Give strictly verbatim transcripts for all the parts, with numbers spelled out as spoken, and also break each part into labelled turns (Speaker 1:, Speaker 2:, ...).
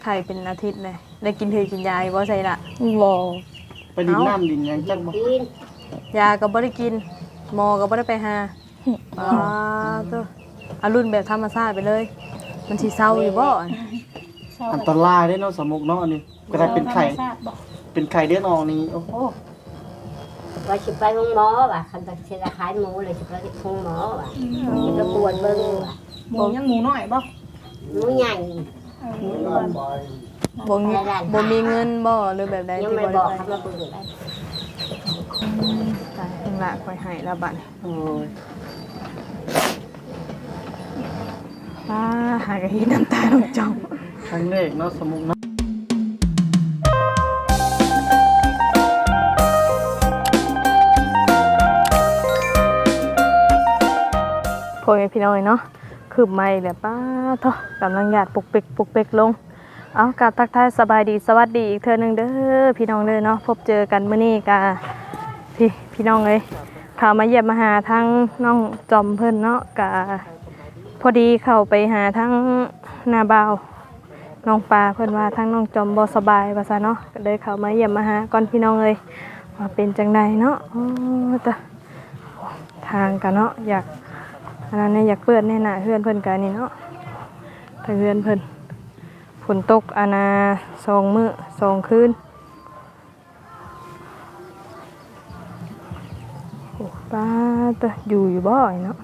Speaker 1: ไข่เป็นอาทิตย์เลยได้กินเธอกินยาบ่ใช่ละ
Speaker 2: บ่
Speaker 3: ไปดินน้ำดินยังจักบ่
Speaker 1: ยาก็บ่ได้กินหมอก็บ่ได้ไปหาอ๋อตัวอารุ่นแบบธรรมชาติไปเลยมันสิเศร้าอยู่บ่
Speaker 3: อันตรายเด้เนาะสมุกเนาะอันนี้ก็ได้เป็นไข่เป็นไข่เดือดออกนี่โอ้โห
Speaker 4: ว่าสิไปห้องหมอว่ะคันตะเชลขายหมูเลยสิไปห้องหมอว่ะสิไปกวดเบิ่งว่ะ
Speaker 2: หมูยังหมูน้อยบ่
Speaker 4: หมูใหญ่
Speaker 1: บ่มีบ่มีเงินบ่หรือแบบใด
Speaker 4: ยัง
Speaker 1: ที่
Speaker 4: ไม่
Speaker 1: บ่
Speaker 4: บอก
Speaker 1: ได้
Speaker 4: ครับว่าเบิ่งได้
Speaker 1: ตายเพิ่นละค่อยให้ละบัด
Speaker 3: โอ้ย
Speaker 1: ป้าหากะเฮ็ดน้ำตาลงจอม
Speaker 3: ครั้งแรกเนาะสมุกเนาะ
Speaker 1: พ่อแม่พี่น้องเนาะคืบไม้แบบป้าเถาะกำลังหยาดปุกเปกปุกเปกลงเอากราบทักทายสบายดีสวัสดีอีกเทื่อนึงเด้อพี่น้องเด้อเนาะพบเจอกันมื้อนี้กะพี่พี่น้องเอ้ยเข้ามาเยี่ยมมาหาทั้งน้องจอมเพิ่นเนาะกะพอดีเข้าไปหาทั้งนาบ่าวน้องปลาเพิ่นว่าทั้งน้องจอมบ่สบายว่าซั่นเนาะก็เลยเข้ามาเยี่ยมมาหาก่อนพี่น้องเอ้ยว่าเป็นจังไดเนาะโอ้ตะทางกันเนาะอยากอันนั้นเนี่ยอยากเปิดแน่น่ะเฮือนเพิ่นกันนี่เนาะถ้าเฮือนเพิ่นฝนตกอานาสองมื้อสองคืนโอ้ป้าตะอยู่อยู่บ่อยเนาะ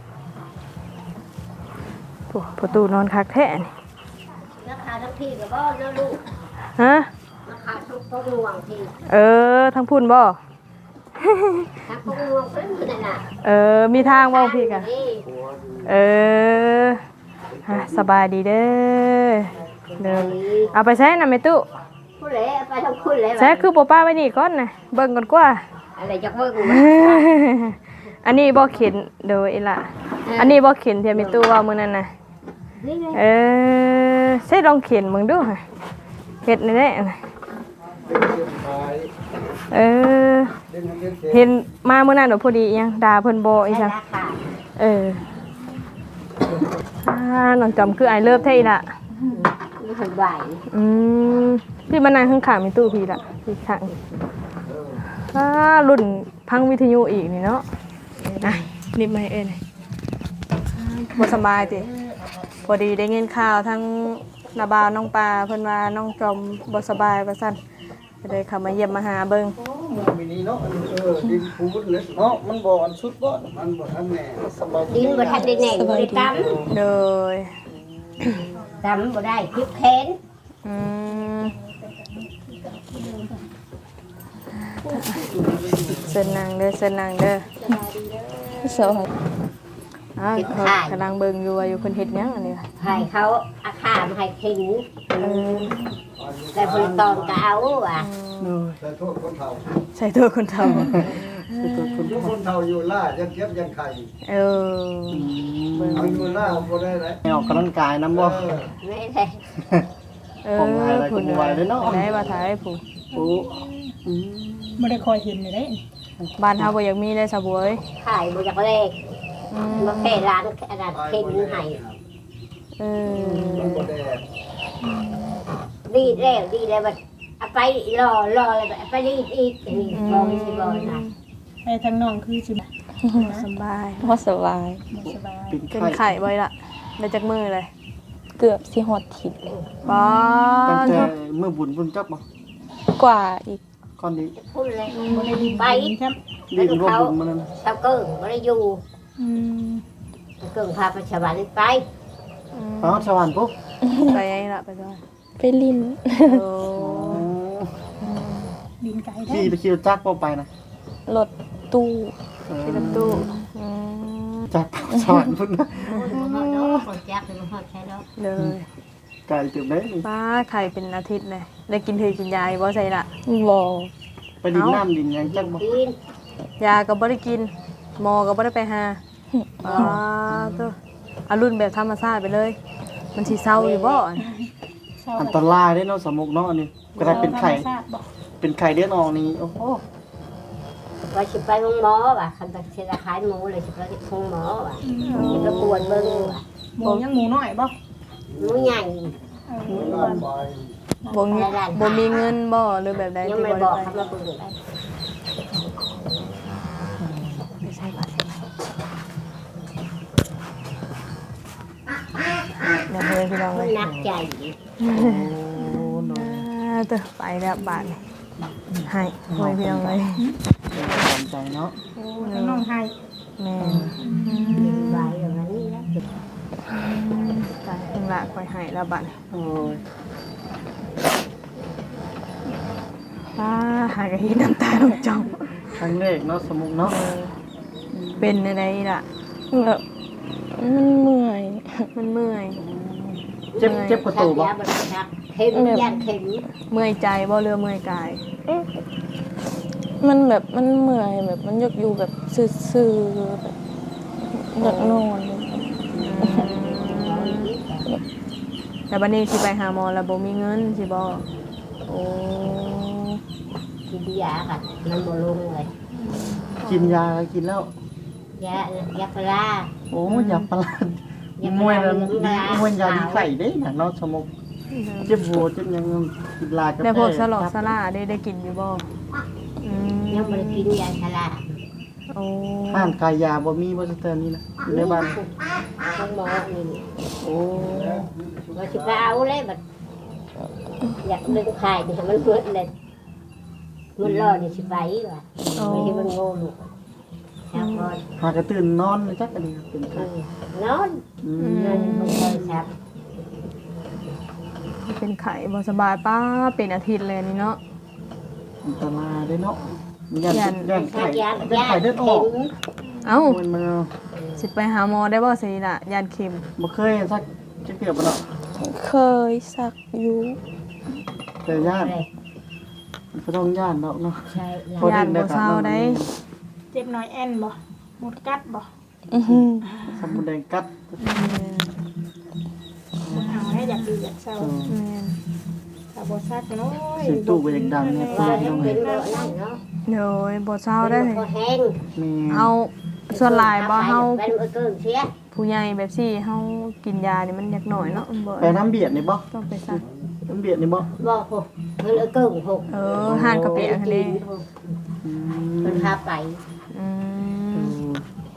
Speaker 1: โอ้ประตูนอนคักแท้นี่
Speaker 4: ราคาทั้งที่ก็บ่เนาะลูก
Speaker 1: ฮะ
Speaker 4: ราคาทุกพวกห่วงที่
Speaker 1: เออทั้งพุ่นบ่
Speaker 4: ทั้งพวกห่วงเพิ่นนั่นน่ะ
Speaker 1: เออมีทางบ่พี่กะเออฮะสบายดีเด้อเด้อเอาไปใช้น่ะแม่ตู้
Speaker 4: ผู้ใดไปทางคุณเลย
Speaker 1: ใช้คือบ่ป้าไว้นี่ก่อนน่ะเบิ่งก่อนกว่า
Speaker 4: อะไรจักเบิ่ง
Speaker 1: อันนี้บ่เข็นโดยอีหล่ะอันนี้บ่เข็นที่แม่ตู้ว่ามื้อนั้นน่ะเออใช้ลองเข็นมึงดูค่ะเฮ็ดนี่แหละเออเห็นมาเมื่อนั้นเดี๋ยวพอดียังด่าเพิ่นโบอีจังเอออ่าน้องจอมคือไอเลิฟเท่าอีละ
Speaker 4: นี่เพิ่นไหว
Speaker 1: อืมพี่มานั่งข้างๆมีตู้พี่ละพี่ข้างอ่ารุ่นพังวิทยุอีกนี่เนาะอ่ะนิบมาให้เอ้ยบ่สบายติพอดีได้เงินข่าวทั้งนาบาวน้องปลาเพิ่นว่าน้องจอมบ่สบายว่าซั่นก็เลยเข้ามาเยี่ยมมาหาเบิ่ง
Speaker 3: มินี่เนาะเออดินพูดเลยเนาะมันบ่อันสุดบ่มันบ่ทันแน่สบาย
Speaker 4: ดินบ่ทันได้แน่บ่ได้ตำ
Speaker 1: เลย
Speaker 4: ตำบ่ได้พริกแขน
Speaker 1: อืมเส้นนางเด้อเส้นนางเด้อสวัสดีอ้าวกำลังเบิ่งอยู่ว่าอยู่เพิ่นเฮ็ดหยังอันนี้
Speaker 4: ให้เขาอาคามาให้ขิงเออแต่เพิ่นตอนก็เอาว่ะ
Speaker 3: ใส่โทษคนเฒ่า
Speaker 1: ใส่ตัวคนเฒ่า
Speaker 3: ใส่ตัวคนคนเฒ่าอยู่ล่ายังเก็บยังไข่
Speaker 1: เออ
Speaker 3: เอาอยู่ล่าบ่ได้ไหนออกกำลังกายนำบ่
Speaker 4: ไม่ได้
Speaker 1: เออผู้ไหวเนาะได้มาถ่ายผู้
Speaker 2: ผู้อืมบ่ได้คอยเห็นได้
Speaker 1: บ้านเฮาบ่อยากมีได้ซะบ่เอ้ย
Speaker 4: ขายบ่อยากเลขมาแค่ร้านอันนั้นเข็นให้
Speaker 1: เออ
Speaker 4: ดีแล้วดีแล้วบัดเอาไปรอรอเลยไปดีอีกนี่บ่มีสิบ่นะ
Speaker 2: ไอ้ทางน้องคือสิ
Speaker 1: สบาย
Speaker 2: บ่สบาย
Speaker 1: บ่สบายเป็นไข้บ่ล่ะได้จักมื้อเลย
Speaker 2: เกือบสิฮอดทิศ
Speaker 1: บ่
Speaker 3: ตั้งแต่มื้อบุญบุญจับบ่
Speaker 2: กว่าอีก
Speaker 3: ก่อนนี้
Speaker 4: พูดเลยบ่ได้ไปครับ
Speaker 3: ดินร่วมบุญมัน
Speaker 4: ชาวเกิ้งบ่ได้อยู่
Speaker 2: อืม
Speaker 4: เกิ้งพาไปชาวบ้านไป
Speaker 3: อ๋อชาวบ้านปุ๊บ
Speaker 1: ไปไงล่ะไปด้วย
Speaker 2: ไปลิน
Speaker 1: โอ้
Speaker 2: ลินไกลได้
Speaker 3: ขี่ไปขี่รถจักรไปนะ
Speaker 2: รถตู้
Speaker 1: ขี่รถตู้
Speaker 3: จักรชาวบ้านพุ่นนะ
Speaker 4: จักรเป็นฮอดใช่แล้ว
Speaker 1: เลย
Speaker 3: ไก่ตึบได้
Speaker 1: ป้าไข่เป็นอาทิตย์เลยได้กินเธอกินยาบ่ใช่ละ
Speaker 2: บ่
Speaker 3: ไปดินน้ำดินยังจักบ่
Speaker 1: ยาก็บ่ได้กินหมอก็บ่ได้ไปหาอ๋อตัวอารุ่นแบบธรรมชาติไปเลยมันสิเศร้าอยู่บ่
Speaker 3: อันตรายเด้เนาะสมุกเนาะอันนี้ก็ได้เป็นไข่เป็นไข่เดือดออกนี่โอ้โห
Speaker 4: ว่าสิไปห้องหมอว่ะคันตะเชลขายหมูเลยสิไปห้องหมอว่ะสิไปกวดเบิ่งว่ะ
Speaker 2: หมูยังหมูน้อยบ่
Speaker 4: หมูใหญ่
Speaker 2: เออ
Speaker 1: บ่มีบ่มีเงินบ่หรือแบบใด
Speaker 4: ยัง
Speaker 1: ที่
Speaker 4: ไม่
Speaker 1: บ่
Speaker 4: บ
Speaker 1: ได้
Speaker 4: อก
Speaker 1: ไป
Speaker 4: เขามาคุยกัน
Speaker 1: ไม่ใช่บ่ใช่เดี๋ยวเพิ่นพี่น้อง
Speaker 4: มั
Speaker 1: เล
Speaker 4: น
Speaker 1: ย
Speaker 4: นักใจ
Speaker 3: โอ้โดย
Speaker 1: อ่าเด้อไปแล้วบาดนี่ให้เพิ่นพี่น้องเลย
Speaker 3: ตามใจเนาะ
Speaker 2: ทั้งน้องให้
Speaker 1: แม่
Speaker 4: ไว้อย่างนี้นะ
Speaker 1: ตายเพิ่งละคอยให้แล้วบาดนี่
Speaker 3: โอ้ย
Speaker 1: ป้าหากะเห็นน้ำตาลงจอม
Speaker 3: ครั้งแรกเนาะสมุกเนาะ
Speaker 1: เป็นอะไรล่ะ
Speaker 5: แบบมันเมื่อย
Speaker 1: มันเมื่อย
Speaker 3: เจ็บเจ็บประ
Speaker 4: ชั
Speaker 3: ตู
Speaker 4: ก
Speaker 3: บ่
Speaker 4: ยาบริชักเข็มยันเข็ม
Speaker 1: เมื่อยใจบ่เรือเมื่อยกาย
Speaker 5: มันแบบมันเมื่อยแบบมันอยากอยู่แบบซื่อๆแบบอยากนอนเลย
Speaker 1: แต่บัดนี้สิไปหาหมอแล้วบ่มีเงินสิบ่โอ้
Speaker 4: กินยาค่ะมันบ่ลงเลย
Speaker 3: กินยากินแล้ว
Speaker 4: ยายาปลา
Speaker 3: โอ้ยาประหลาดมวยแล้วมวยยาดีไข่ได้น่ะเนาะสมุกเจ็บหัวเจ็บยังกินลากาแฟ
Speaker 1: แล้วพวกสลอกสลาได้ได้กินอยู่บ่อืม
Speaker 4: ยังบ่ได้กินยาชรา
Speaker 1: โอ้
Speaker 3: ห้านกายยาบ่มีบ่สเตอร์นี่นะอยู่ในบ้าน
Speaker 4: ต้องหมอนี่
Speaker 3: โอ้
Speaker 4: ว่าสิไปเอาเลยบัดอยากดึงไข่นี่ให้มันเกิดเลยมันรอนี่สิไปว่ะไม่ให้มันโง่ลูกครับพอ
Speaker 3: หากระตื่นนอนเลยจักอันนี้เป็นไข้
Speaker 4: นอน
Speaker 3: อื
Speaker 4: นอน
Speaker 3: ม
Speaker 4: บ่ค่อยชับ
Speaker 1: เป็นไข้บ่สบายป้าเป็นอาทิตย์เลยนี่เนาะ
Speaker 3: อันตรายเด้เนาะยัน
Speaker 1: ยัน
Speaker 3: ยัน
Speaker 4: ชั
Speaker 3: ไข่
Speaker 4: กยา
Speaker 3: เป็นไข่เลือดออก
Speaker 1: เอ้า
Speaker 3: มันมา
Speaker 1: สิไปหาหมอได้บ่สิล่ะยานเข็ม
Speaker 3: บ่เคยสักจะเกือบบ่เนาะ
Speaker 5: เคยสักอยู่
Speaker 3: แต่ญาติมันก็ต้องญาติเนาะเนาะ
Speaker 4: ใช่
Speaker 3: พอ
Speaker 1: ญาติบ่เศร้าได้
Speaker 2: เจ็บน้อยแอนบ่หมดกัดบ่
Speaker 5: อื้อหือ
Speaker 3: สมุนแดงกัด
Speaker 2: บ่เอาให้อยากดีอยากเศร้า
Speaker 3: เออ
Speaker 1: แม่น
Speaker 2: ถ้าบ่ซักน้อย
Speaker 3: เสียงตู้ก็ยังดังเนี่ย
Speaker 4: ว่า
Speaker 3: พี่น้อง
Speaker 4: เป็
Speaker 3: เอ้
Speaker 4: น
Speaker 3: ย
Speaker 4: บ่นั่นเนาะ
Speaker 1: โดยบ่เศร้าได้
Speaker 4: เป็นบ่แห้ง
Speaker 3: แม่
Speaker 1: เอาส่วนหลายบ่เฮา
Speaker 4: เป็นบ่เกินเสีย
Speaker 1: ผู้ใหญ่แบบซี่เฮากินยานี่มันอยากหน่อยเนาะมันบ่
Speaker 3: ไปน้ำเบียดนี่บ่
Speaker 1: ต้องไปซัก
Speaker 3: น้ำเบียดนี่บ่
Speaker 4: บ่โหมันเออเกินหก
Speaker 1: เออห่านกระเปียกทะเล
Speaker 3: อื
Speaker 4: มัน
Speaker 3: ม
Speaker 4: พาไป
Speaker 1: อื
Speaker 3: เอ
Speaker 1: ม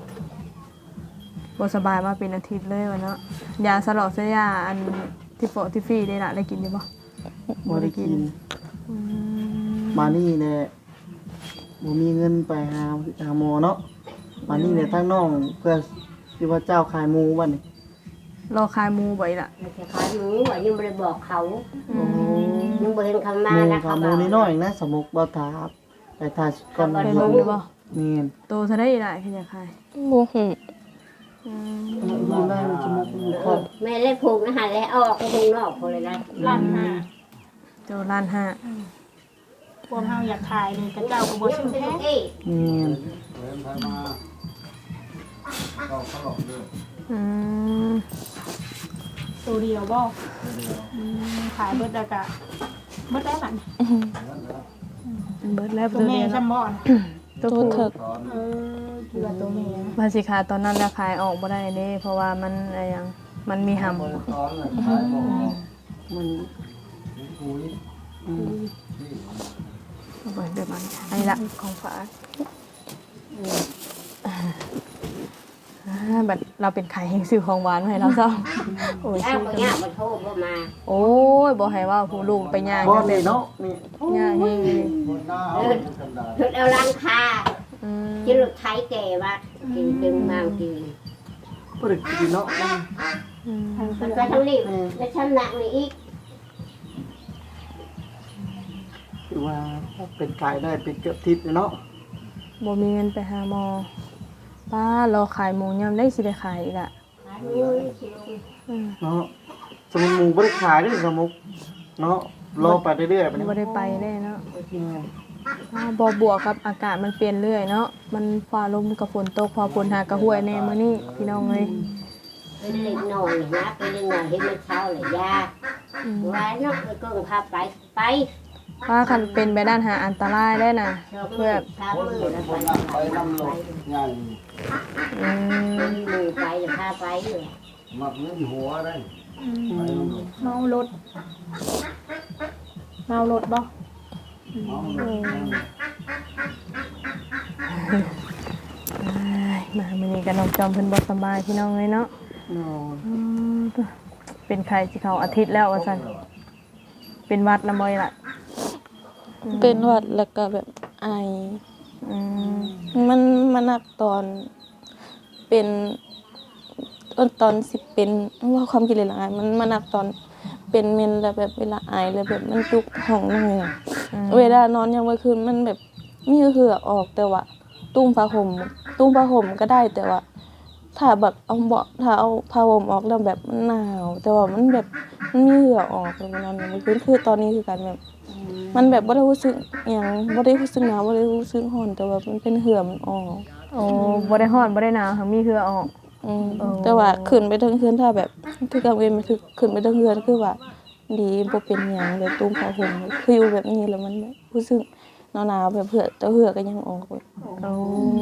Speaker 3: อ
Speaker 1: บ่สบายมาเป็นอาทิตย์เลยวะเนาะยาสลอกเสียยาอันที่โปะที่ฟรีได้ล่ะได้กินอยู่บ่
Speaker 3: บ่ได้กิน
Speaker 1: อืม
Speaker 3: มานี่แหละบ่มีเงินไปหาหาหมอเนาะมานี่เนี่ยทั้งน้องเพื่อที่ว่าเจ้าขายหมูบัดนี้
Speaker 1: รอคายหมูบ่อีล่ะ
Speaker 4: มันจะขายหมูอ่ะยังไม่ได้บอกเขา
Speaker 3: โอ้
Speaker 4: ยังบ่เห็นคำมา
Speaker 3: หมู
Speaker 4: นะ
Speaker 3: ขาหมูนิดหน่อยนะสมุกบ่ถาบไปทาก่อน
Speaker 1: ไป
Speaker 3: เ
Speaker 1: เบิ่งดูบ่
Speaker 3: นี่น
Speaker 1: โตเท่าได้อีล่ะคืออยากขาย
Speaker 5: บ่หู
Speaker 1: อืม
Speaker 3: มีแม่มีจมูกมีคอ
Speaker 4: แม่เล่นผูกนะฮะแล้วออกไปข้างนอกพอเลยนะ
Speaker 2: ล้านห้า
Speaker 1: โตล้านห้า
Speaker 2: พวกเฮาอยากถ่ายนี่กระเจ้าก็บ่ซื้อแท้
Speaker 3: นี่น
Speaker 1: อืม
Speaker 2: ตัวเดียวบ่อืมขายเบิดแล้วก็เบิดได้บัดนี้
Speaker 1: เบิดแล้ว
Speaker 2: ตัว
Speaker 1: ตัว
Speaker 2: แม่
Speaker 1: เดียว
Speaker 2: ซ้ํ
Speaker 1: เนาะ
Speaker 2: บ่น่ะ
Speaker 1: ตัว
Speaker 5: ตัว
Speaker 1: ผู้
Speaker 5: เถิก
Speaker 2: เออคือว่าตัวแม่นะ
Speaker 1: มาสิขายตอนนั้นราคายออกบ่ได้เด้เพราะว่ามันอะไรหยังมันมีหำ
Speaker 3: มันอืม
Speaker 1: เอาไปเดี๋ยวมันอันนี้ละของฝากอ่าบัดเราเป็นไข่แห่งซื้อของหวานมาให้เราซ้อโอ้ย
Speaker 4: อ้า
Speaker 1: ซื้
Speaker 4: ว
Speaker 1: อ
Speaker 4: ก็
Speaker 1: กัน
Speaker 4: ยากมาโทษบ่มา
Speaker 1: โอ้ยบ่ให้ว่าผู้ลูกไปย่าง
Speaker 3: บ่
Speaker 1: จัง
Speaker 3: นี่
Speaker 1: ซี่
Speaker 3: เนาะนี่
Speaker 1: ย่างเฮงเลย
Speaker 4: เลิศเลิศเอาลังคา
Speaker 1: อืม
Speaker 4: กินรถไถแก่ว่ากินดึงมากิน
Speaker 3: บ่ได้กินเนาะ
Speaker 1: อืม
Speaker 4: มันไปทางนี้แล้วชั้นหนักนี่อีก
Speaker 3: คือว่าเป็นขายได้เป็นเกือบทิศเลยเนาะ
Speaker 1: บ่มีเงินไปหาหมอป้ารอขายหมูยำได้สิได้ขายอีกละ
Speaker 4: ขายหมูนี่สิลง
Speaker 1: อืม
Speaker 3: เนาะสมุนหมูบ่ได้ขายเด้อสมุกเนาะรอไปเรื่อยๆไปนี่
Speaker 1: บ่ได้ไปแน่เนาะ
Speaker 3: อืม
Speaker 1: อ้าวบ่บวกกับอากาศมันเปลี่ยนเรื่อยเนาะมันฟ้าลมกับฝนตกพอฝนหากระห้วยแน่มื้อนี้พี่น้องเอ้ย
Speaker 4: ไปเล่นหน่อยนะไปเล่นหน่อยเห็นมันเช้าเลยยา
Speaker 1: อืม
Speaker 4: ว่าเนาะไปเกิงพาไปไป
Speaker 1: ป้าคันเป็นไปด้านหาอันตรายได้น่ะ
Speaker 4: ชอบ
Speaker 1: เพื่อ
Speaker 4: สามมือแล้วไปไปนำลง
Speaker 1: อืม
Speaker 4: มือไปจะพาไปเลย
Speaker 6: มักเงินหัวได้
Speaker 4: อ
Speaker 2: เมารถเมารถบ่
Speaker 1: มามื้อนี้ก็น้องจอมเพิ่นบ่สบายพี่น้องเอ้ยเนาะ
Speaker 3: นอน
Speaker 1: อืมเป็นไข้สิเข้าอาทิตย์แล้วว่าซั่นเป็นหวัดละบ่อยล่ะ
Speaker 5: เป็นหวัดแล้วก็แบบไอ
Speaker 1: อืม
Speaker 5: มันมันหนักตอนเป็นตอนตอนสิเป็นว่าความคิดเลยละไอมันมันหนักตอนเป็นเมนแล้วแบบเวลาไอแล้วแบบมันจุกท้องหน่อยอะเวลานอนยังกลางคืนมันแบบมีเหงื่อออกแต่ว่าตุ้มผ้าห่มตุ้มผ้าห่มก็ได้แต่ว่า ถ้าแบบเอาเบาะถ้าเอาผ้าห่มออกแล้วแบบมันหนาวแต่ว่ามันแบบมันมีเหงื่อออกแล้วมันนอนยังกลางคืนคือตอนนี้คือการแบบ มันแบบบ่ได้รู้สึกหยังบ่ได้รู้สึกหนาวบ่ได้รู้สึกร้อนแต่ว่ามันเป็นเหือมันออก
Speaker 1: โอ้บ่ได้ร้อนบ่ได้หนาวหั้นมีเหงื่อออก
Speaker 5: อืม
Speaker 1: อ๋อ
Speaker 5: แต่ว่าขึ้นไปเทิงเฮือนถ้าแบบคือกลางเวรมันคือขึ้นไปเทิงเฮือนคือว่าดีบ่เป็นหยังแบบตุ้มผ้าห่มคืออยู่แบบนี้แล้วมันแบบรู้สึกหนาวๆแบบเหือแต่เหือก็ยังออกแบบ
Speaker 1: โอ้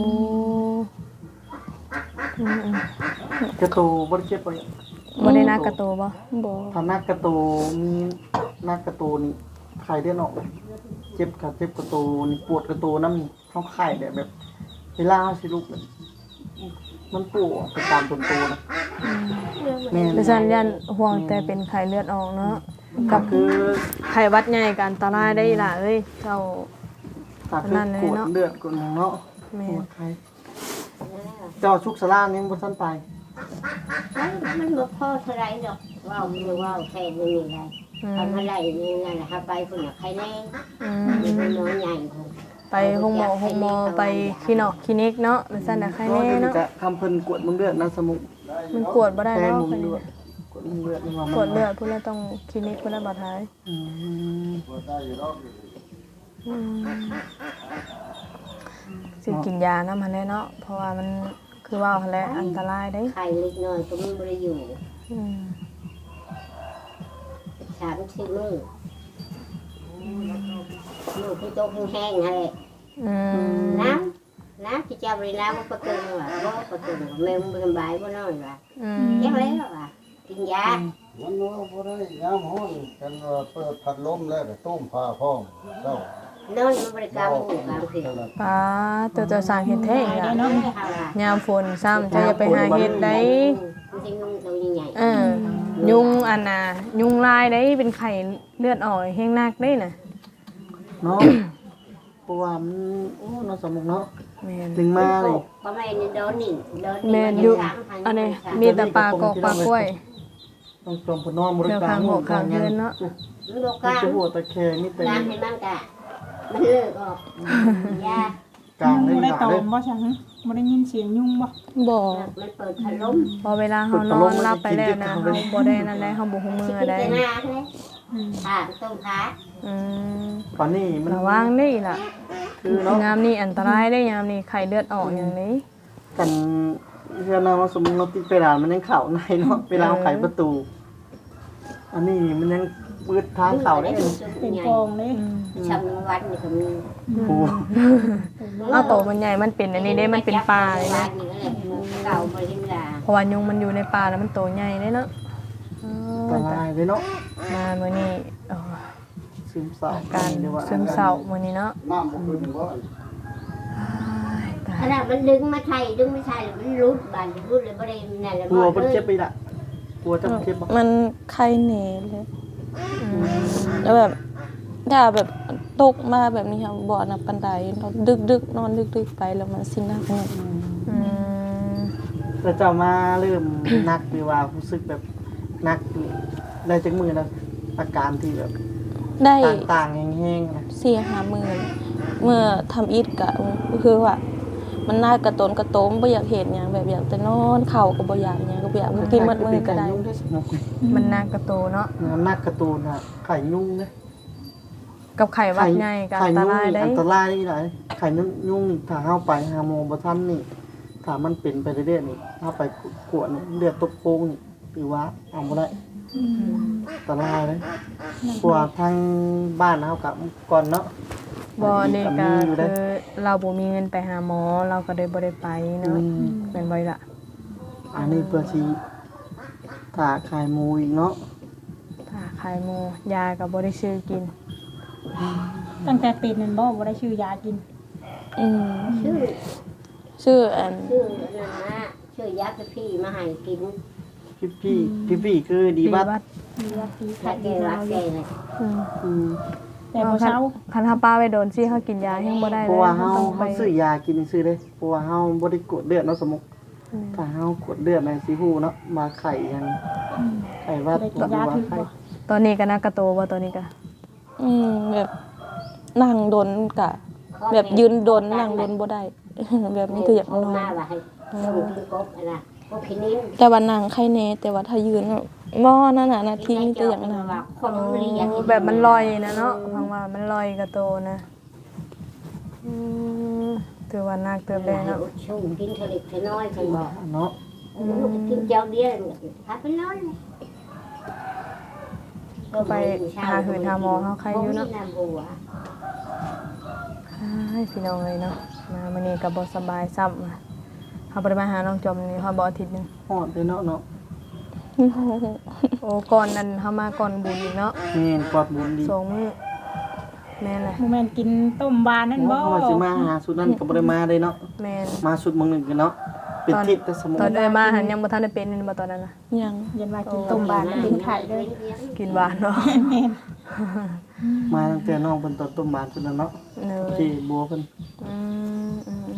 Speaker 1: อืม
Speaker 3: กระโตบ่ได้เจ็บบ่เนี่ย
Speaker 1: ๆบ่ได้นักกระโตบ่
Speaker 5: บ่
Speaker 3: ถ้านักกระโตมีนักกระโตนี่ไข้เลือดออกเลยเจ็บกับเจ็บกระโตนี่ปวดกระโตน้ำนี่เข้าไข้แบบแบบเวลาสิลุกเนี่ยมันปวดไปตามต้นโตนะแม่น
Speaker 1: ดิฉันยันห่วงแต่เป็นไข้เลือดออกเนาะ
Speaker 3: ก็คือ
Speaker 1: ไข้หวัดใหญ่ก็อันตรายได้ล่ะเอ้ยเจ้า
Speaker 3: ถ้าคือกวดเลือดกวดหยังเนาะ
Speaker 1: แม่
Speaker 3: ปวดไข้เจ้าชุกสลานยังบ่ทันไป
Speaker 4: มันบ่พอเท่าไรดอกว้าวคือว้าวแค่นี้ได้
Speaker 1: อืม
Speaker 4: ทำอะไรนี่นั่นแหละครับไปคนละใครแน่
Speaker 1: อื
Speaker 4: มีคน
Speaker 1: ม
Speaker 4: น้อยใหญ่คน
Speaker 1: ไปห้องหมอห้องหมอไปคลินอกคลินิกเนาะดิฉันน่ะไข้
Speaker 3: เนาะ
Speaker 1: แน่
Speaker 3: เดี๋ยวนี้
Speaker 1: เนาะ
Speaker 3: ก็คำเพิ่นกวดมึงเลือดนะสมุก
Speaker 1: มันกวดบ่ได้
Speaker 3: แพ้
Speaker 1: เนาะ
Speaker 3: มึงเลือดกวดมึงเลือดนี่ว่ามัน
Speaker 1: กวดเลือดพุ่นแล้วต้องคลินิกพุ่นแล้วบ่ท้าย
Speaker 3: อืม
Speaker 1: อืมสิกินยานำหั่นแหละเนาะเพราะว่ามันคือว่าหั่นแหละอันตรายเด้
Speaker 4: ใครเล็กน้อยก็มันบ่ได้อยู่
Speaker 1: อืม
Speaker 4: สามสิบมื้อมื้อที่โตแห้งๆนั่นแหละ
Speaker 1: อืม
Speaker 4: น้ำน้ำที่เจ้าบริน้ำมันก็เกินว่ะบ่ก็เกินว่ะแม่มึงสบายบ่น้อยว่ะ
Speaker 1: อืม
Speaker 4: ยังแล้วว่ะกินยา
Speaker 6: มันว่าบ่ได้ยามฮ้อนกันว่าเปิดพัดลมแล้วก็ต้มผ้าพร้อมเจ้าน
Speaker 4: อนมันบริกรรมอยู่กลางคืน
Speaker 6: เท่านั้น
Speaker 1: ป้าตัวเจ้าสร้างเฮ็ดแท้อีกล่ะ
Speaker 4: เนาะเฮาล่ะ
Speaker 1: ยามฝนซ้ำเจ้าอย่าไปหาเฮ็ดได้
Speaker 4: มันสิงงตัวใหญ่
Speaker 1: เออยุงอันน่ะยุงลายได้เป็นไข้เลือดออกแห้งนักได้น่ะ
Speaker 3: เนาะเพราะว่ามันโอ้เนาะสมุกเนาะ
Speaker 1: แม่น
Speaker 3: ถึงมาเลย
Speaker 4: ก็ไม่ได้โดนนี่โดน
Speaker 1: แม่นอยู่อันนี้มีแต่ปลากอกปลากล้วย
Speaker 3: ต้องจมพนอนบริ
Speaker 1: เดี๋ยว
Speaker 3: การ
Speaker 1: ข้างหัวข้างเฮือนเนาะ
Speaker 4: มันบ่ก
Speaker 3: มัน
Speaker 4: ล้า
Speaker 3: จะหัวตะแคงนี่แต่
Speaker 4: น้ำให้มันกะมันเลิกออกยาก
Speaker 3: ลาง
Speaker 2: ยุง
Speaker 3: ได้
Speaker 2: บ่ได้
Speaker 3: หนา
Speaker 2: ตอ
Speaker 3: เด้
Speaker 2: มบ่ใช่หึบ่ได้ยินเสียงยุงบ่
Speaker 5: บ่
Speaker 4: มันเปิดพัดลม
Speaker 1: พอเวลาเฮานอนหลับไปแล้วนะเฮาบ่ได้นั่นได้เฮาบ่ฮู้มื
Speaker 4: สิ
Speaker 1: อ
Speaker 4: กิน
Speaker 1: ได้
Speaker 4: แต่หน้าเลย
Speaker 2: อืม
Speaker 4: ขาต้มขา
Speaker 1: อืม
Speaker 3: ตอนนี้มัน
Speaker 1: ระวังนี่ล่ะ
Speaker 3: คือเนาะ
Speaker 1: ยามนี้อันตรายได้ยามนี้ไข้เลือดออกอย่างนี้
Speaker 3: กันเชื่อนะว่าสมมุติเราติดไปด่านมันยังเข่าในเนาะเวลาเอาไขประตู อันนี้มันยังมืดทางเข่าได้เลย
Speaker 2: เป็น
Speaker 4: ใหญ่
Speaker 2: ฟองเลย
Speaker 1: อืม
Speaker 4: ชำวันนี่ก็มี
Speaker 3: โอ้
Speaker 1: เอาโตมันใหญ่มันเป็นอันนี้ได้มันเป็นปลาเลยนะ
Speaker 4: เก่าบ่ได้เวลา
Speaker 1: เพราะว่ายุงมันอยู่ในป่าแล้วมันโตใหญ่เลยเนาะอ๋อ
Speaker 3: อันตรายเลยเนาะ
Speaker 1: มามื้อนี้เอ่อ
Speaker 3: ซึมเศร้า
Speaker 1: อาการ
Speaker 3: เรียกว่า
Speaker 1: ซึมเศร้ามื้อนี้เนาะ
Speaker 6: น้ำบ่ขึ้นบ่
Speaker 1: อ้ายตา
Speaker 4: ข
Speaker 1: ย
Speaker 4: นาดมันดึงมาไทยดึงไม่ไทยมันรุดบานรุดเลยบ่ได้นั่นแหละ
Speaker 3: กลัว
Speaker 4: บ่
Speaker 3: มัน
Speaker 4: เลย
Speaker 3: เจ็บไปละกลัวจะเจ็บบ่
Speaker 5: มันไข้เหนเลย
Speaker 1: อืม
Speaker 5: แล้วแบบถ้าแบบตกมาแบบนี้ครับบ่อนับปันไดเราดึกๆนอนดึกๆไปแล้วมันสิหนักเนี่ย
Speaker 1: อืม
Speaker 3: แต่เจ้ามาเริ่มนักหรือว่ารู้สึกแบบนักอยู่ได้จักมือแล้วอาการที่แบบ
Speaker 5: ได้
Speaker 3: ต่างๆแห้งๆนะ
Speaker 5: สี่ห้าหมื่นเมื่อทำอิฐกะคือว่า มันน่ากระตนกระโตมบ่อยากเห็นหยังแบบอยากแต่นอนเข่าก็บ่อยากหยังก็บ่อยากกินหมดมือก็ได้
Speaker 1: มันน่ากระโตเนาะ
Speaker 3: นักการ์ตูนอะไข่ยุ่งนะ
Speaker 1: กับไข้หวัดใหญ่ก็อันตรายได้
Speaker 3: อันตรายนี่หลายไข่นุ่งยุ่งนี่ถ้าเข้าไปหาโมบ่ทันนี่ถ้ามันเป็นไปเรื่อยๆนี่ถ้าไปกวดนี่เลือดตกโค้งนี่หรือว่าเอาบ่ได้อันตรายเลยกว่าทางบ้านเฮากับก่อนเนาะ
Speaker 1: บ่นี่ก็
Speaker 3: มีอยู่
Speaker 1: คื
Speaker 3: เด้
Speaker 1: อเราบ่มีเงินไปหาหมอเราก็เลยบ่ได้ไปเนาะ
Speaker 3: อืม
Speaker 1: เป็นไว้ล่ะ
Speaker 3: อันนี้เพื่อสิถาขายหมูอีกเนาะ
Speaker 1: ถ้าขายหมูยาก็บ่ได้ซื้อกิน
Speaker 2: ตั้งแต่เป็นนั่นบ่บ่ได้ชื่อยากิน
Speaker 5: อืม
Speaker 4: ชื่อ
Speaker 5: ชื่ออัน
Speaker 4: ชื่อนั่นนะชื่อยาพี่มาให้กิน
Speaker 3: พี่พี่พี่พี่คือดีบัด
Speaker 2: มียาปี
Speaker 4: ถ้า
Speaker 2: ขาด
Speaker 4: แก
Speaker 2: ดี
Speaker 4: รั
Speaker 2: แล้
Speaker 4: ก
Speaker 2: ว
Speaker 4: แกเลย
Speaker 1: อืม
Speaker 3: อืม
Speaker 2: แต่บ่เช้า
Speaker 1: คันถ้าป้าไปโดนซี่เฮากินยายังบ่ได้
Speaker 3: เพ
Speaker 1: เล
Speaker 3: ราะ
Speaker 1: ย
Speaker 3: ว่าเฮา
Speaker 1: ต้องไป
Speaker 3: เฮาซื้อยากินซื้อเด้เพราะว่าเฮาบ่ได้กดเลือดเนาะสมมุติ
Speaker 1: อืม
Speaker 3: ถ้าเฮากดเลือดในสิฮู้เนาะมาไข่ยังไข่วัด
Speaker 2: ได้กิ
Speaker 3: ห
Speaker 2: น
Speaker 3: รื
Speaker 2: ยา
Speaker 3: อว่า
Speaker 2: ถึก
Speaker 3: ไข่
Speaker 2: บ่
Speaker 1: ตอนนี้ก็นักกระโตบ่ตอนนี้ก็
Speaker 5: อืมแบบนั่งดนกะ แบบยืนดนนั่งดนบ่ได้ แบบนี้คืออยากนอน
Speaker 4: มาว่าให้ส่งกินกบอะไรกบพินิน
Speaker 5: แต่ว่านั่งใครแน่แต่ว่าถ้ายืนแบบบ่นั่นน่ะนาทีมีแต่อย่างนั้น
Speaker 4: ว่าคนเรียน
Speaker 1: แบบมันลอยนะเนาะฟังว่ามันลอยกระโตนะอืมถือว่านักเติบได้เนาะ
Speaker 4: ช่วงกินทะเลทะน้อยกันบอก
Speaker 3: เนาะ
Speaker 4: กินเจ้าเดียวพาไปนอน
Speaker 1: ไปหาหืนหาหมอเฮาใครอยู่เนาะ
Speaker 4: น้ำบัว
Speaker 1: ให้พี่น้องเลยเนาะมามื้อนี้ก็บ่สบายซ้ำอะเฮาบ่ได้มาหาน้องจอมนี่เฮาบ่อาทิตย์หนึง
Speaker 3: ฮอดเลยเนาะเนาะ
Speaker 1: โอ้ก่อนนั้นเฮามาก่อนบุญอีกเนาะ
Speaker 3: แม่นกอดบุญดี
Speaker 1: สองมื้อแม่นแหละ
Speaker 2: โมเมนต์กินต้มบานนั่น
Speaker 3: โอ้
Speaker 2: บ่
Speaker 3: เขาว่าสิมาหาสุดนั้นก็บ่ได้มาเลยเนาะ
Speaker 1: แม่น
Speaker 3: มาสุดเมืองหนึงกันเนาะเป็นทิศแต่สมมุ
Speaker 1: ตอน
Speaker 3: ติ
Speaker 1: เอ้ยมาหันยังบ่ทันได้เป็นนี่บ่ตอนนั้นน่ะ
Speaker 5: ยัง
Speaker 2: ยันว่ากินต้มบานแล้วเป็นไข่เลย
Speaker 1: กินหวานเนาะ
Speaker 2: แม่น
Speaker 3: มาตั้งแต่น้องเพิ่นตอนต้มบานสุดนั้นเนาะ
Speaker 1: เน
Speaker 3: โอย เคบัวเพิ่น
Speaker 1: อืมอืม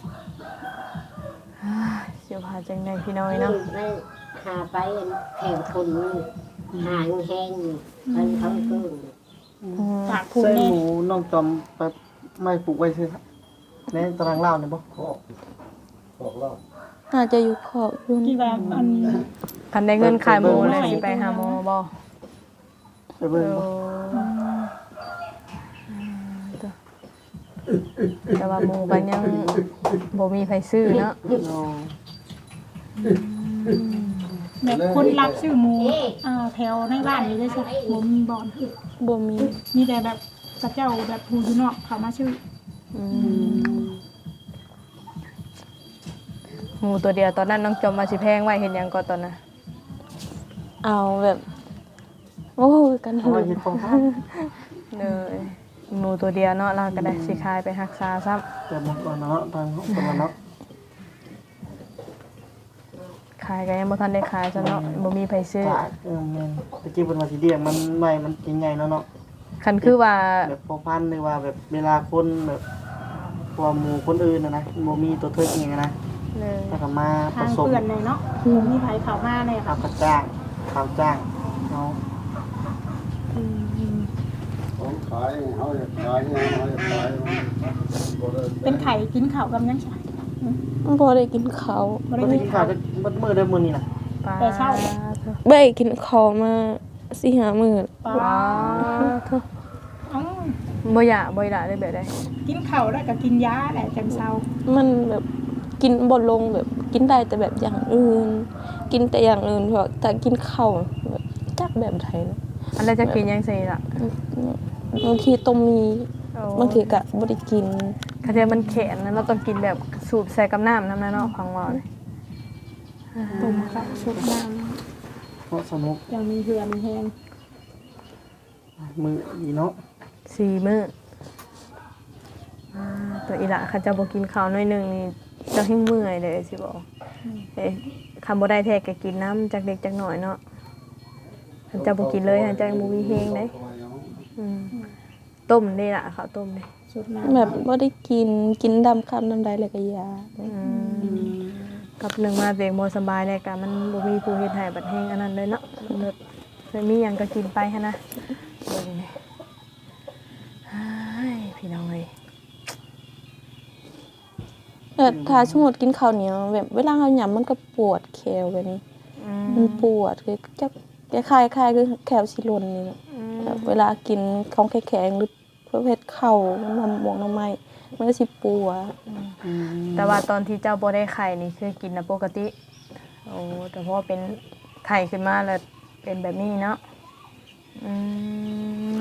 Speaker 1: อ่าเสียวพาจังได๋พี่น้อยเนาะ
Speaker 4: ไม่หาไปแข่งคนหางแห้งมันเขาเพิ่ง
Speaker 2: ปากพูด
Speaker 3: ใส่
Speaker 2: แน่
Speaker 3: หมูน้องจอมไปไม่ปลูกไว้ซื่อครับในตารางเล่านี่บ่
Speaker 6: ขอบขอบเล่า
Speaker 5: น่าจะอยู่ขอบอยู่
Speaker 2: ที่ว่าอัน
Speaker 1: คันได้เงินขายหมูเลยสิไปหาหมอบ่
Speaker 3: ไปเบิ่งบ่
Speaker 1: แต่ว่าหมูก็ยังบ่มีไผซื้อเนาะ
Speaker 3: เนาะ
Speaker 2: แบบคนรับชื่อหมูอ่าแถวในบ้านนี่ได้สักบ่มีบ่อน
Speaker 5: บ่มี
Speaker 2: มีแต่แบบกระเจ้าแบบผู้อยู่นอกเขามาชื่อ
Speaker 1: อืมหมูตัวเดียวตอนนั้นน้องจอมมาสิแพงไว้เห็นหยังก็ตอนน่ะ
Speaker 5: เอาแบบโอ้ยกัน
Speaker 3: เอาไว้เฮ็ดของทาน
Speaker 1: เลยหมูตัวเดียวเนาะเราก็ได้สิขายไปรักษาซ้ำ
Speaker 3: แต่บ่ก่อนเนาะทางเฮาตะวันเนาะ
Speaker 1: ขายก็ยังบ่ทันได้ขายซะเนาะบ่มีไผซื้อ
Speaker 3: ตากเออแม่นตะกี้เพิ่นว่าสิเลี้ยงมันไว้มันใหญ่ๆเนาะเนาะ
Speaker 1: คันคือว่า
Speaker 3: แบบพอพันธุ์หรือว่าแบบเวลาคนแบบพวกหมู่คนอื่นน่ะนะบ่มีตัวเทิดอิหยังอะนะ
Speaker 1: เลย
Speaker 3: แล้วก็มาผ
Speaker 2: ทาง
Speaker 3: สม
Speaker 2: เปื่อนเลยเนาะบ่มีไผเข้ามาเลย
Speaker 3: ข้า
Speaker 2: ค่ะ
Speaker 3: วกระจ้างข้าวจ้างเนาะ
Speaker 6: ของขายเขาอยากขายเนี่ยเขาอยากขายมันบ่ได้
Speaker 2: เป็นไข่กินข้าวกับยังไง
Speaker 5: บ่ได้กินข้าว
Speaker 2: บ่
Speaker 3: บ่
Speaker 2: ได้
Speaker 3: ได้
Speaker 2: กิ
Speaker 3: กิ
Speaker 2: น
Speaker 3: น
Speaker 2: ข้า
Speaker 3: ข้าว วจะเบิดมื้อได้มื้อนี้น่ะ
Speaker 1: ปลา
Speaker 2: แต่เช้า
Speaker 5: บ่ได้กินข้าวมาสี่ห้ามื้อ
Speaker 2: ปลา
Speaker 1: ว้าเถอะ
Speaker 2: เอ้า
Speaker 1: บ่อยากบ่อยากได้แบบใด
Speaker 2: กินข้าวแล้วก็กินยาแหละจังเซา
Speaker 5: มันแบบกินบ่ลงแบบกินได้แต่แบบอย่างอื่น กินแต่อย่างอื่นเพราะแต่กินข้าวแบบจักแบบไทยนะ
Speaker 1: อันแล้วจะกินยังซี่ล่ะ
Speaker 5: บางทีต้มมี
Speaker 1: โอ้
Speaker 5: บางทีก็บ่ได้กิน
Speaker 1: คาเทียมันแข็งนะเราต้องกินแบบสูบใส่กับน้ำนำนะเนาะของว่าเลย
Speaker 2: ต้มกับชุบน้
Speaker 3: เพราะสนุก
Speaker 2: ำยังมีเหือมีแห้ง
Speaker 3: มื้ออีเนาะ
Speaker 1: สี่มื้ออ่าตัวอีหละเขาเจะบ่กินข้าวหน้อยหนึงนี่เจะหิ้งเมื่อยเลยสิบอกเอ้ยคำบ่ได้แท้ก็กินน้ำจากเด็กจากหน่อยเนาะคันเจะบ่กินเลยคันเจะบ่มีแฮงเด้อืมต้มนี่ล่ะข้าวต้มนี่
Speaker 2: ชุบน้ำ
Speaker 5: แบบบ่ได้กินกินดำคำน้ำใดแล้วก็ยา
Speaker 1: อืมกับหนึ่งมาเด็กบ่สบายเลยกะมันบ่มีผู้เฮ็ดให้บัดแฮงอันนั้นเลยเนาะแบบเลยมีหยังก็กินไปหันนะเบิ่งนี่เฮ้ยพี่น้องเอ้ย
Speaker 5: แต่ถ้าสมมุติกินข้าวเหนียวแบบเวลาเฮาหยำมันก็ปวดแขวแบบนี้
Speaker 1: อืม
Speaker 5: มันปวดคือจะคล้ายๆคล้ายๆคือแขวสิหล่นนี่แหละ
Speaker 1: อืม
Speaker 5: แบบเวลากินของแข็งๆหรือประเภทข้าวน้ำหมวกน้ำไม้มันก็สิปวด
Speaker 3: อืม
Speaker 1: แต่ว่าตอนที่เจ้าบ่ได้ไข่นี่คือกินนะปกติ โอ้แต่พอเป็นไข่ขึ้นมาแล้วเป็นแบบนี้เนาะอืม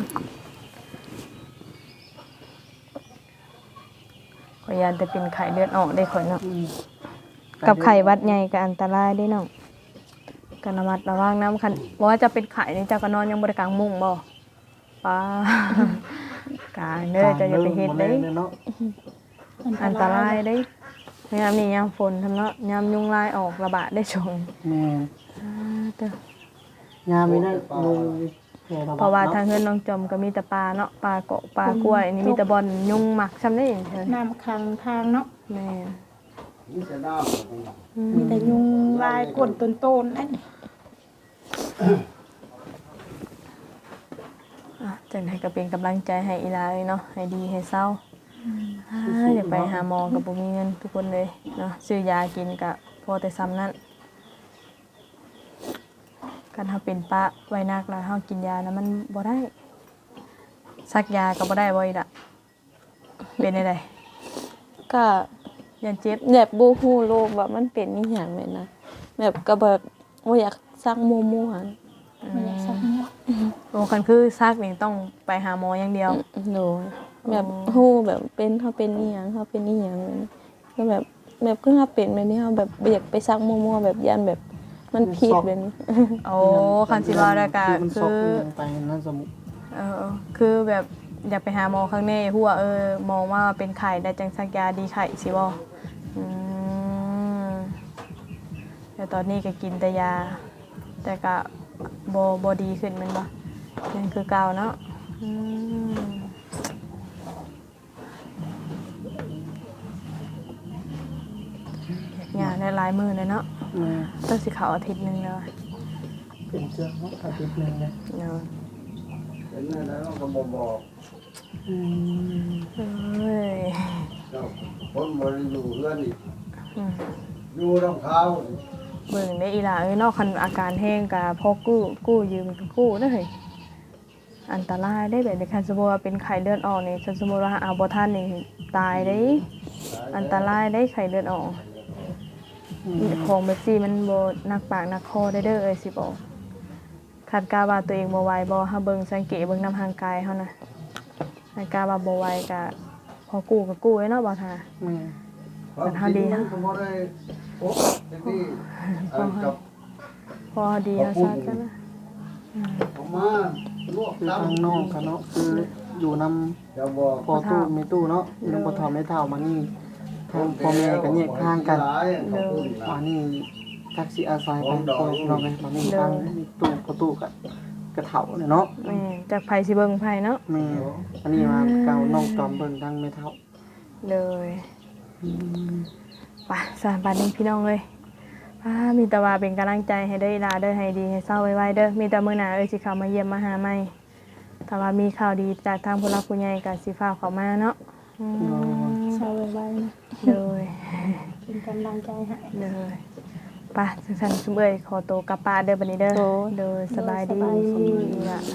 Speaker 1: ขอยยานแต่เป็นไข่เลือดออกได้ข่อยเนาะ
Speaker 3: อืม
Speaker 1: กับไข่หวัดใหญ่ก็อันตรายได้เนาะกันระมัดระวังน้ำคันบ่ว่าจะเป็นไข่นี่เจ้าก็นอนยังบ่ได้กางมุ้งบ่ป้ากางเด้อจะอย่าไปเฮ็ดเด้
Speaker 3: บ่แม่นเนาะ
Speaker 1: อันตรายเด้ยามนี้ยามฝนทำเนาะยามยุงลายออกระบาดได้ชง
Speaker 3: แม่น
Speaker 1: อ่าเด้อย
Speaker 3: ามมีได้ลุงแพร่ระบาด
Speaker 1: เพราะว่าทาง
Speaker 3: เนาะ
Speaker 1: เฮือนน้องจอมก็มีแต่ปลาเนาะปลาเกาะปลากล้วยนี่มีแต่บอนยุงหมักซ้ำได้เถิด
Speaker 2: น้ำขังทางเนาะ
Speaker 1: แม่น
Speaker 6: นี่จะน้ำ
Speaker 1: อืม
Speaker 2: มีแต่ยุงลายกวนต้นๆนั่น
Speaker 1: อ่ะจังได๋ก็เป็นกำลังใจให้อีหลาเลยเนาะให้ดีให้เศร้าอ่าอย่าไปหาหมอก็บ่มีเงินทุกคนเลยเนาะซื้อยากินก็พอแต่ซ้ำนั้นการเฮาเป็นปะไว้นักแล้วเฮากินยานะมันบ่ได้ซักยาก็บ่ได้บ่อีกล่ะเป็นได้
Speaker 5: ก็
Speaker 1: ยันเจ็บ
Speaker 5: แบบบ่ฮู้โรคว่ามันเป็นอีหยังแม่นนะแบบก็แบบบ่อยากซักมั่วๆหั่น
Speaker 2: มันอยากสักเนี่ย
Speaker 1: โอ้คันคือซักนี่ต้องไปหาหมออย่างเดียว
Speaker 5: โดยแบบฮู้แบบเป็นเฮาเป็นอีหยังเฮาเป็นอีหยังแม่นก็แบบแบบคือเฮาเป็นแบบนี้เฮาแบบบ่อยากไปซักมั่วๆแบบยันแบบมันผิดแบบนี้
Speaker 1: โอ้คันสิว่าได้ก็
Speaker 3: มันซ
Speaker 1: คื
Speaker 3: อก
Speaker 1: อ
Speaker 3: ไปนั่นสมุ
Speaker 1: เออคือแบบอยากไปหาหมอข้างในหัวาเออมองว่าเป็นไข้ได้จังซักยาดีไข้สิบ่อืมแต่ตอนนี้ก็กินแต่ยา แต่ก็บ่บ่ดีขึ้นแม่นบ่ยังคือเก่าเนาะอืมงานได้หลายมื้อเลยเนาะ
Speaker 3: แม่
Speaker 1: ต้องสิเข้าอาทิตย์หนึงแล้ว
Speaker 3: เป็นเจ้าเนาะอาทิตย์หนึงเลย
Speaker 1: เนาะ
Speaker 6: เป็นแม่แล้วก็บ่บอก
Speaker 3: อืม
Speaker 1: เอ้ย
Speaker 6: เจ้าคนบ่ได้อยู่เรือนนี่
Speaker 1: อืม
Speaker 6: อยู่รองเท้านี่
Speaker 1: เบิ่งได้อีหล่าเอ้ยเนอกคันอาการแห้งก็พอกู้กู้ยืมก็กู้เด้อเฮ้ยอันตรายได้แบบในคันสมมุติว่าเป็นไข้เลือดออกนี่คันสมมุติว่าเอาบ่ทันนี่ตายได้อันตรายได้ไข้เลือดออกของแบบซี่มันบ่หนักปากหนักคอได้เด้อเอ้ยสิบอกคันกาว่าตัวเองบ่ไหวบ่เฮาเบิ่งสังเกตเบิ่งนำร่างกายเฮานะคันกาว่าบ่ไหวก็พอกู้ก็กู้ไว้เนาะบ่ท่า
Speaker 3: แม่
Speaker 1: มันเท่าดีนะ
Speaker 6: ก็บ่ได้โอ้เด็กนี่อันกับ
Speaker 1: พอดีเฮาซะกันนะ
Speaker 6: ผมมาลวก
Speaker 3: คือ
Speaker 6: ตำ
Speaker 3: ทางนอกกันเนาะคืออยู่นำ
Speaker 6: จะบอก
Speaker 3: พอตู้ไม่ตู้เนาะอยู่นำพอทอไม่เท่ามานี่ทางพ่อแม่กันแยกทางกัน มานี่ทักซี่อาศัยไปคอยเราไงมานี่ทางตู้ประตูกับกระเถาเนี่ยเนาะ
Speaker 1: แม่จากไผสิเบิ่งไผเนาะ
Speaker 3: แม่อันนี้มาเก่าน้องจอมเบิ่งทางไม่เท่า
Speaker 1: เลยป่ะสามบาทนี้พี่น้องเลยป้ามีแต่ว่าเป็นกำลังใจให้เด้ออีหลาเด้อให้ดีให้เศร้าไวๆเด้อมีแต่มื้อหน้าเอ้ยสิเข้ามาเยี่ยมมาหาใหม่ถ้าว่ามีข่าวดีจากทางผู้หลักผู้ใหญ่ก็สิฟ้าวเข้ามาเนาะอืม
Speaker 2: เศร้าไว้ๆนะ
Speaker 1: เลย
Speaker 2: เป็นกำลังใจให้
Speaker 1: เลยป่ะจังซั่นซุมเอ้ยขอตัวกลับป่าเด้อบัดนี้เด้อเด้อสบายดีล่ะ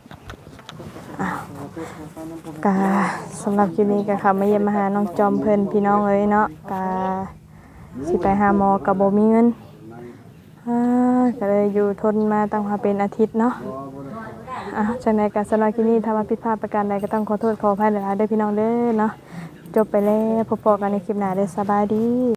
Speaker 1: กาสำหรับคลิปนี้ก็ค่ะมาเยี่ยมมาหาน้องจอมเพิ่นพี่น้องเอ้ยเนาะกาสิไปหาหมอกับบ่มีเงินอ่าก็เลยอยู่ทนมาตั้งมาเป็นอาทิตย์เนาะอ่ะจังไดก็สำหรับคลิปนี้ถ้าว่าผิดพลาดประการใดก็ต้องขอโทษขออภัยหลายๆเด้อพี่น้องเด้อเนาะจบไปแล้วพบกันในคลิปหน้าเด้อสบายดี